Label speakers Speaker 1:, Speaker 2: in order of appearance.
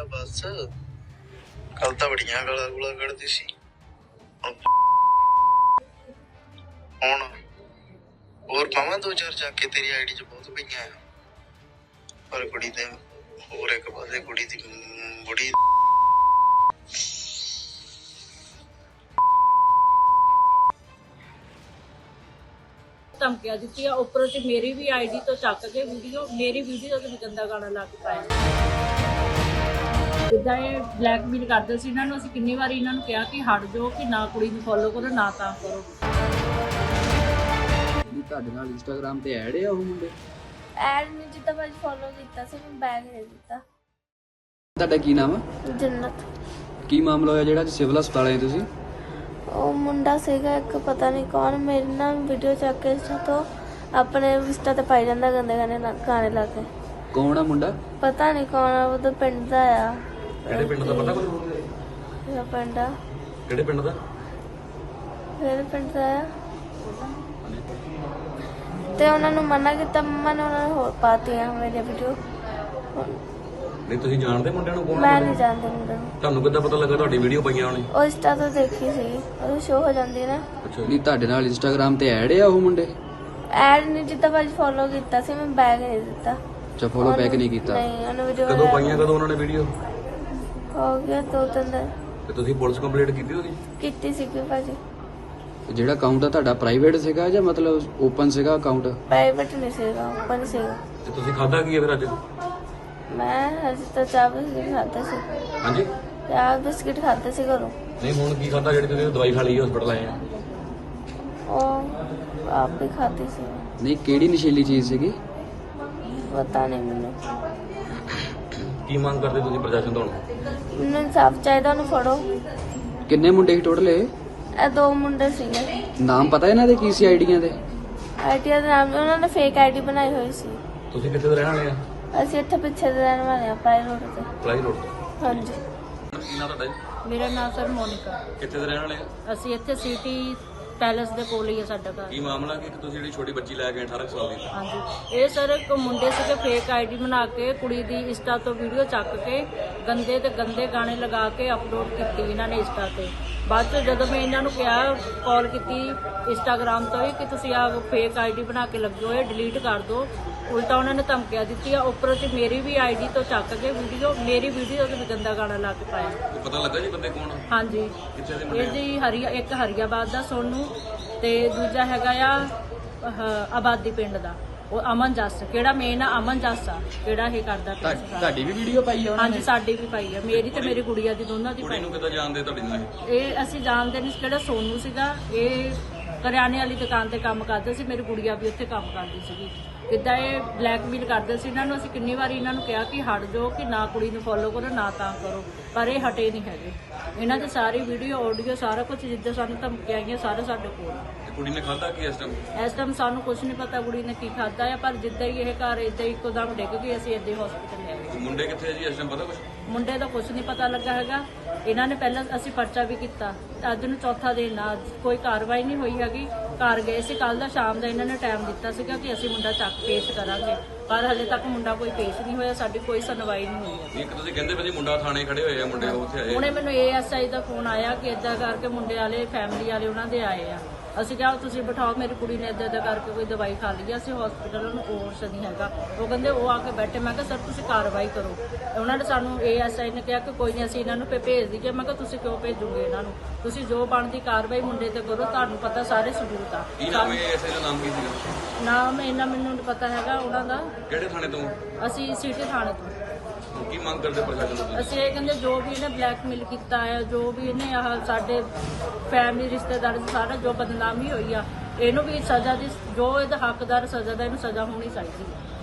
Speaker 1: बस कल तो बड़िया गाला गुला कढ़दी सी हुण होर पावां दो चार जाके तेरी आईडी च बहुत पईयां आ पर कुड़ी दे होर एक पासे कुड़ी दी बड़ी
Speaker 2: ਧਮਕੀਆਂ ਦਿੱਤੀਆਂ ਉੱਪਰੋਂ ਤੇ ਮੇਰੀ ਵੀ ਆਈਡੀ ਤੋਂ ਚੱਕ ਕੇ ਮੇਰੀ ਵੀਡੀਓ ਤੇ ਵੀ ਗੰਦਾ ਗਾਣਾ ਲਾ ਕੇ ਪਾਇਆ। ਜਿੱਦਾਂ ਇਹ ਬਲੈਕਮੇਲ ਕਰਦੇ ਸੀ ਇਹਨਾਂ ਨੂੰ, ਅਸੀਂ ਕਿੰਨੀ ਵਾਰੀ ਇਹਨਾਂ ਨੂੰ ਕਿਹਾ ਕਿ ਹਟ ਜਾਓ, ਕਿ ਨਾ ਕੁੜੀ ਨੂੰ ਫੋਲੋ ਕਰੋ ਨਾ ਤਾਂ ਕਰੋ।
Speaker 3: ਤੁਹਾਡੇ ਨਾਲ ਇੰਸਟਾਗ੍ਰਾਮ ਤੇ ਐਡ ਆ ਉਹ ਮੁੰਡੇ?
Speaker 4: ਐਡ ਨਹੀਂ ਜਿੱਦਾਂ ਭਾਜੀ ਫੋਲੋ ਕੀਤਾ ਸੀ, ਮੈਂ ਬੈਗ ਦੇ ਦਿੱਤਾ।
Speaker 3: ਤੁਹਾਡਾ ਕੀ ਨਾਮ ਆ?
Speaker 4: ਜੰਨਤ।
Speaker 3: ਕੀ ਮਾਮਲਾ ਹੋਇਆ ਜਿਹੜਾ ਸਿਵਲ ਹਸਪਤਾਲ ਆਏ ਤੁਸੀਂ?
Speaker 4: ਉਹ ਮੁੰਡਾ ਸੀਗਾ ਇੱਕ, ਪਤਾ ਨਹੀਂ ਕੌਣ, ਮੇਰੇ ਨਾਲ ਵੀਡੀਓ ਚੱਕ ਕੇ ਇੰਸਟਾ ਤੋਂ ਆਪਣੇ ਇੰਸਟਾ ਤੇ ਪਾਈ ਜਾਂਦਾ ਗੰਦੇ ਗਾਣੇ ਲਾ ਕੇ।
Speaker 3: ਕੌਣ ਆ ਮੁੰਡਾ?
Speaker 4: ਪਤਾ ਨਹੀਂ ਕੌਣ ਆ, ਉਹਦਾ ਪਿੰਡ ਦਾ ਆ।
Speaker 5: ਕਿਹੜੇ ਪਿੰਡ ਦਾ ਪਤਾ ਕੁਝ?
Speaker 4: ਮੇਰਾ ਪਿੰਡ ਆ।
Speaker 5: ਕਿਹੜੇ ਪਿੰਡ ਦਾ?
Speaker 4: ਮੇਰੇ ਪਿੰਡ ਦਾ ਆ। ਤੇ ਉਹਨਾਂ ਨੂੰ ਮਨਾ ਕੀਤਾ, ਮੰਮਾ ਨੇ ਉਹਨਾਂ ਨੂੰ ਹੋਰ ਪਾਤੀਆਂ ਮੇਰੀ ਵੀਡੀਓ।
Speaker 5: ਨਹੀਂ ਤੁਸੀਂ ਜਾਣਦੇ ਮੁੰਡਿਆਂ ਨੂੰ? ਕੌਣ?
Speaker 4: ਮੈਂ ਨਹੀਂ ਜਾਣਦੀ ਮੁੰਡੇ ਨੂੰ।
Speaker 5: ਤੁਹਾਨੂੰ ਕਿੱਦਾਂ ਪਤਾ ਲੱਗਾ ਤੁਹਾਡੀ ਵੀਡੀਓ ਪਈਆਂ ਉਹਨੇ?
Speaker 4: ਉਹ ਇੰਸਟਾ ਤੋਂ ਦੇਖੀ ਸੀ, ਉਹ ਸ਼ੋ ਹੋ ਜਾਂਦੀ ਨਾ।
Speaker 5: ਅੱਛਾ
Speaker 3: ਨਹੀਂ ਤੁਹਾਡੇ ਨਾਲ ਇੰਸਟਾਗ੍ਰਾਮ ਤੇ ਐਡ ਆ ਉਹ ਮੁੰਡੇ?
Speaker 4: ਐਡ ਨਹੀਂ ਜਿੱਦਾਂ ਭਾਜੀ ਫੋਲੋ ਕੀਤਾ ਸੀ, ਮੈਂ ਬੈਗ ਦੇ ਦਿੱਤਾ।
Speaker 3: ਅੱਛਾ, ਫੋਲੋ ਬੈਕ ਨਹੀਂ ਕੀਤਾ?
Speaker 4: ਨਹੀਂ, ਉਹਨੇ ਵੀਡੀਓ
Speaker 5: ਕਦੋਂ ਪਾਈਆਂ, ਕਦੋਂ ਉਹਨਾਂ ਨੇ ਵੀਡੀਓ?
Speaker 4: ਹੋ ਗਿਆ 2-3 ਦਿਨ।
Speaker 5: ਤੇ ਤੁਸੀਂ ਪੁਲਿਸ ਕੰਪਲੇਂਟ ਕੀਤੀ ਉਹਦੀ?
Speaker 4: ਕੀਤੀ ਸੀਗੀ ਭਾਜੀ।
Speaker 3: ਜਿਹੜਾ ਅਕਾਊਂਟ ਆ ਤੁਹਾਡਾ ਪ੍ਰਾਈਵੇਟ ਸੀਗਾ ਜਾਂ ਮਤਲਬ ਓਪਨ ਸੀਗਾ ਅਕਾਊਂਟ?
Speaker 4: ਪ੍ਰਾਈਵੇਟ ਨਹੀਂ ਸੀਗਾ, ਓਪਨ ਸੀਗਾ।
Speaker 5: ਤੇ ਤੁਸੀਂ ਖਾਧਾ ਕੀ ਹੈ ਫਿਰ ਅੱਜ?
Speaker 4: ਮੈਂ ਹਜੇ ਤਾਂ ਚਾਹ ਬਿਸਕਿਟ ਖਾਧੇ ਸੀ।
Speaker 5: ਹਾਂਜੀ?
Speaker 4: ਚਾਹ ਬਿਸਕਿਟ ਖਾਧੇ ਸੀ ਘਰੋਂ।
Speaker 5: ਨਹੀਂ ਹੁਣ ਕੀ ਖਾਧਾ ਜਿਹੜੀ ਤੁਸੀਂ ਦਵਾਈ ਖਾ ਲਈ ਹਸਪਤਾਲ ਆਏ ਆ?
Speaker 4: ਉਹ ਆਪ ਹੀ ਖਾਧੀ ਸੀ।
Speaker 3: ਨਹੀਂ, ਕਿਹੜੀ ਨਸ਼ੀਲੀ ਚੀਜ਼ ਸੀਗੀ?
Speaker 4: ਪਤਾ ਨਹੀਂ ਮੈਨੂੰ।
Speaker 5: ਕੀ ਮੰਗ ਕਰਦੇ ਤੁਸੀਂ ਪ੍ਰਸ਼ਾਸਨ ਤੋਂ?
Speaker 4: ਮੈਨੂੰ ਇਨਸਾਫ ਚਾਹੀਦਾ, ਉਹਨੂੰ ਫੜੋ।
Speaker 3: ਕਿੰਨੇ ਮੁੰਡੇ ਸੀ ਟੋਟਲ ਇਹ?
Speaker 4: ਇਹ 2 ਮੁੰਡੇ ਸੀਗੇ।
Speaker 3: ਨਾਮ ਪਤਾ ਇਹਨਾਂ ਦੇ ਕੀ ਸੀ ਆਈਡੀਆਂ ਦੇ?
Speaker 4: ਆਈਡੀਆ ਦਾ ਨਾਮ ਉਹਨਾਂ ਨੇ ਫੇਕ ਆਈਡੀ ਬਣਾਈ ਹੋਈ ਸੀ।
Speaker 5: ਤੁਸੀਂ ਕਿੱਥੇ ਦੇ ਰਹਿਣ ਵਾਲੇ ਆ?
Speaker 4: ਅਸੀਂ ਇੱਥੇ ਪਿੱਛੇ ਦੇ ਰਹਿਣ ਵਾਲੇ ਆ, ਪਾਈ ਰੋਡ ਤੇ।
Speaker 5: ਪਲਾਈ ਰੋਡ ਤੇ।
Speaker 4: ਹਾਂਜੀ।
Speaker 5: ਕੀ ਨਾਮ ਤੁਹਾਡਾ ਜੀ?
Speaker 2: ਮੇਰਾ ਨਾਮ ਸਰ ਮੋਨਿਕਾ।
Speaker 5: ਕਿੱਥੇ ਦੇ ਰਹਿਣ ਵਾਲੇ ਆ?
Speaker 2: ਅਸੀਂ ਇੱਥੇ ਸਿਟੀ ਪੈਲੇਸ ਦੇ ਕੋਲ ਹੀ ਹੈ ਸਾਡਾ ਘਰ।
Speaker 5: ਕੀ ਮਾਮਲਾ ਕਿ ਤੁਸੀਂ ਜਿਹੜੀ ਛੋਟੀ ਬੱਚੀ ਲੈ ਕੇ 18 ਸਾਲ ਦੀ?
Speaker 2: ਹਾਂਜੀ, ਇਹ ਸਰ ਇੱਕ ਮੁੰਡੇ ਸੀਗੇ ਫੇਕ ਆਈਡੀ ਬਣਾ ਕੇ ਕੁੜੀ ਦੀ ਇੰਸਟਾ ਤੋਂ ਵੀਡੀਓ ਚੱਕ ਕੇ ਗੰਦੇ ਤੇ ਗੰਦੇ ਗਾਣੇ ਲਗਾ ਕੇ ਅਪਲੋਡ ਕੀਤੀ ਇਹਨਾਂ ਨੇ ਇੰਸਟਾ ਤੇ। ਬਾਅਦ ਚ ਜਦੋਂ ਮੈਂ ਇਹਨਾਂ ਨੂੰ ਕਿਹਾ, ਕਾਲ ਕੀਤੀ ਇੰਸਟਾਗ੍ਰਾਮ ਤੋਂ ਹੀ ਕਿ ਤੁਸੀਂ ਆਹ ਫੇਕ ਆਈਡੀ ਬਣਾ ਕੇ ਲੱਗੇ ਹੋਏ, ਡਿਲੀਟ ਕਰ ਦਿਓ, ਉਲਟਾ ਉਹਨਾਂ ਨੇ ਧਮਕੀਆਂ ਦਿੱਤੀਆਂ। ਉੱਪਰੋਂ ਤੇ ਮੇਰੀ ਵੀ ਆਈਡੀ ਤੋਂ ਚੱਕ ਕੇ ਮੇਰੀ ਵੀਡੀਓ ਤੇ ਵੀ ਗੰਦਾ ਗਾਣਾ ਲਾ ਕੇ ਪਾਇਆ।
Speaker 5: ਪਤਾ ਲੱਗਾ ਜੀ ਬੰਦੇ ਕੌਣ?
Speaker 2: ਹਾਂਜੀ,
Speaker 5: ਕਿੱਥੇ ਦੇ ਮੁੰਡੇ?
Speaker 2: ਇਹ ਜੀ ਇੱਕ ਹਰੀਆਬਾਦ ਦਾ ਸੋਨੂ ਤੇ ਦੂਜਾ ਹੈਗਾ ਆ ਆਬਾਦੀ ਪਿੰਡ ਦਾ ਉਹ ਅਮਨ ਜੱਸ, ਕਿਹੜਾ ਮੇਨ ਆ ਅਮਨ ਜੱਸ ਆ, ਕਿਹੜਾ ਇਹ ਕਰਦਾ ਪਿਆ ਸੀ।
Speaker 3: ਤੁਹਾਡੀ ਵੀ ਵੀਡੀਓ ਪਾਈ ਆ?
Speaker 2: ਹਾਂਜੀ, ਸਾਡੀ ਵੀ ਪਾਈ ਆ, ਮੇਰੀ ਤੇ ਮੇਰੀ ਗੁੜੀਆ ਦੀ, ਦੋਨਾਂ ਦੀ
Speaker 5: ਕੁੜੀ
Speaker 2: ਪਾਈ।
Speaker 5: ਨੂੰ ਕਿੱਦਾਂ ਜਾਣਦੇ ਤੁਹਾਡੇ ਨਾਲ?
Speaker 2: ਇਹ ਅਸੀਂ ਜਾਣਦੇ ਨਹੀਂ, ਕਿਹੜਾ ਸੋਨੂ ਸੀਗਾ, ਇਹ ਕਰਿਆਨੇ ਵਾਲੀ ਦੁਕਾਨ ਤੇ ਕੰਮ ਕਰਦੇ ਸੀ, ਮੇਰੀ ਗੁੜੀਆ ਵੀ ਉੱਥੇ ਕੰਮ ਕਰਦੀ ਸੀਗੀ। ਕਿੱਦਾਂ ਇਹ ਬਲੈਕਮੇਲ ਕਰਦੇ ਸੀ ਇਹਨਾਂ ਨੂੰ, ਅਸੀਂ ਕਿੰਨੀ ਵਾਰੀ ਇਹਨਾਂ ਨੂੰ ਕਿਹਾ ਕਿ ਹਟ ਜਾਓ, ਕਿ ਨਾ ਕੁੜੀ ਨੂੰ ਫੋਲੋ ਕਰੋ ਨਾ ਤਾਂ ਕਰੋ, ਪਰ ਇਹ ਹਟੇ ਨਹੀਂ ਹੈਗੇ। ਇਹਨਾਂ ਦੀ ਸਾਰੀ ਵੀਡੀਓ ਆਡੀਓ ਸਾਰਾ ਕੁਝ ਜਿੱਦਾਂ ਸਾਨੂੰ ਧਮਕੀਆਂ ਆਈਆਂ ਸਾਰਾ ਸਾਡੇ ਕੋਲ ਆ।
Speaker 5: ਕੁੜੀ ਨੇ ਖਾਧਾ ਕੀ ਇਸ ਟਾਈਮ?
Speaker 2: ਸਾਨੂੰ ਕੁਝ ਨਹੀਂ ਪਤਾ ਕੁੜੀ ਨੇ ਕੀ ਖਾਧਾ ਹੈ, ਪਰ ਜਿੱਦਾਂ ਹੀ ਇਹ ਘਰ ਇਦਾਂ ਇੱਕੋ ਦਮ ਡਿੱਗ ਗਈ, ਅਸੀਂ ਇੱਦਾਂ ਹਸਪੀਟਲ ਲੈ ਗਏ।
Speaker 5: ਮੁੰਡੇ ਕਿੱਥੇ ਜੀ ਇਸ ਟਾਈਮ ਪਤਾ ਕੁਝ?
Speaker 2: ਮੁੰਡੇ ਦਾ ਕੁਝ ਨਹੀਂ ਪਤਾ ਲੱਗਾ ਹੈਗਾ। ਇਹਨਾਂ ਨੇ ਪਹਿਲਾਂ ਅਸੀਂ ਪਰਚਾ ਵੀ ਕੀਤਾ, ਅੱਜ ਨੂੰ ਚੌਥਾ ਦਿਨ ਆ, ਕੋਈ ਕਾਰਵਾਈ ਨਹੀਂ ਹੋਈ ਹੈਗੀ। ਘਰ ਗਏ ਸੀ ਕੱਲ ਦਾ ਸ਼ਾਮ ਦਾ, ਇਹਨਾਂ ਨੇ ਟਾਈਮ ਦਿੱਤਾ ਸੀਗਾ ਕਿ ਅਸੀਂ ਮੁੰਡਾ ਚੱਕ ਪੇਸ਼ ਕਰਾਂਗੇ, ਪਰ ਹਲੇ ਤੱਕ ਮੁੰਡਾ ਕੋਈ ਪੇਸ਼ ਨਹੀਂ ਹੋਇਆ, ਸਾਡੀ ਕੋਈ ਸੁਣਵਾਈ ਨਹੀਂ ਹੋਈ ਹੈ।
Speaker 5: ਇੱਕ ਤੁਸੀਂ ਕਹਿੰਦੇ ਭਾਜੀ ਮੁੰਡਾ ਥਾਣੇ ਖੜੇ ਹੋਏ ਆ, ਮੁੰਡੇ ਉੱਥੇ ਆਏ?
Speaker 2: ਹੁਣੇ ਮੈਨੂੰ ASI ਦਾ ਫੋਨ ਆਇਆ ਕਿ ਏਦਾਂ ਕਰਕੇ ਮੁੰਡੇ ਵਾਲੇ ਫੈਮਿਲੀ ਵਾਲੇ ਉਹਨਾਂ ਦੇ ਆਏ ਆ। ਅਸੀਂ ਕਿਹਾ ਤੁਸੀਂ ਬਿਠਾਓ, ਮੇਰੀ ਕੁੜੀ ਨੇ ਏਦਾਂ ਕਰਕੇ ਕੋਈ ਦਵਾਈ ਖਾ ਲਈ, ਅਸੀਂ ਹਸਪੀਟਲ ਨੂੰ ਕੋਰਸ ਨਹੀਂ ਹੈਗਾ। ਉਹ ਕਹਿੰਦੇ ਉਹ ਆ ਕੇ ਬੈਠੇ। ਮੈਂ ਕਿਹਾ ਸਰ ਤੁਸੀਂ ਕਾਰਵਾਈ ਕਰੋ। ਉਹਨਾਂ ਨੇ ਸਾਨੂੰ ASI ਨੇ ਕਿਹਾ ਕਿ ਕੋਈ ਨਹੀਂ ਅਸੀਂ ਇਹਨਾਂ ਨੂੰ ਭੇਜ ਦਈਏ। ਮੈਂ ਕਿਹਾ ਤੁਸੀਂ ਕਿਉਂ ਭੇਜੋਗੇ ਇਹਨਾਂ ਨੂੰ, ਤੁਸੀਂ ਜੋ ਬਣਦੀ ਕਾਰਵਾਈ ਮੁੰਡੇ ਤੇ ਕਰੋ, ਤੁਹਾਨੂੰ ਪਤਾ ਸਾਰੇ ਸਬੂਤ ਆ।
Speaker 5: ਕੀ ਨਾਮ ਹੈ ਐਸਏ ਦਾ? ਨਾਮ ਕੀ ਸੀਗਾ?
Speaker 2: ਨਾਮ ਇਹਨਾਂ ਮੈਨੂੰ ਨਹੀਂ ਪਤਾ ਹੈਗਾ ਉਹਨਾਂ ਦਾ।
Speaker 5: ਕਿਹੜੇ ਥਾਣੇ ਤੋਂ?
Speaker 2: ਅਸੀਂ ਸਿਟੀ ਥਾਣੇ ਤੋਂ।
Speaker 5: ਕੀ ਮੰਗ ਕਰਦੇ ਪ੍ਰਸ਼ਾਸਨ ਤੋਂ?
Speaker 2: ਅਸੀਂ ਇਹ ਕਹਿੰਦੇ ਜੋ ਵੀ ਇਹਨੇ ਬਲੈਕਮੇਲ ਕੀਤਾ ਹੈ, ਜੋ ਵੀ ਇਹਨੇ ਆਹ ਸਾਡੇ ਫੈਮਿਲੀ ਰਿਸ਼ਤੇਦਾਰ ਸਾਰਾ ਜੋ ਬਦਨਾਮੀ ਹੋਈ ਆ, ਇਹਨੂੰ ਵੀ ਸਜ਼ਾ ਦੀ, ਜੋ ਇਹਦਾ ਹੱਕਦਾਰ ਸਜ਼ਾ ਦਾ ਇਹਨੂੰ ਸਜ਼ਾ ਹੋਣੀ ਚਾਹੀਦੀ ਹੈ।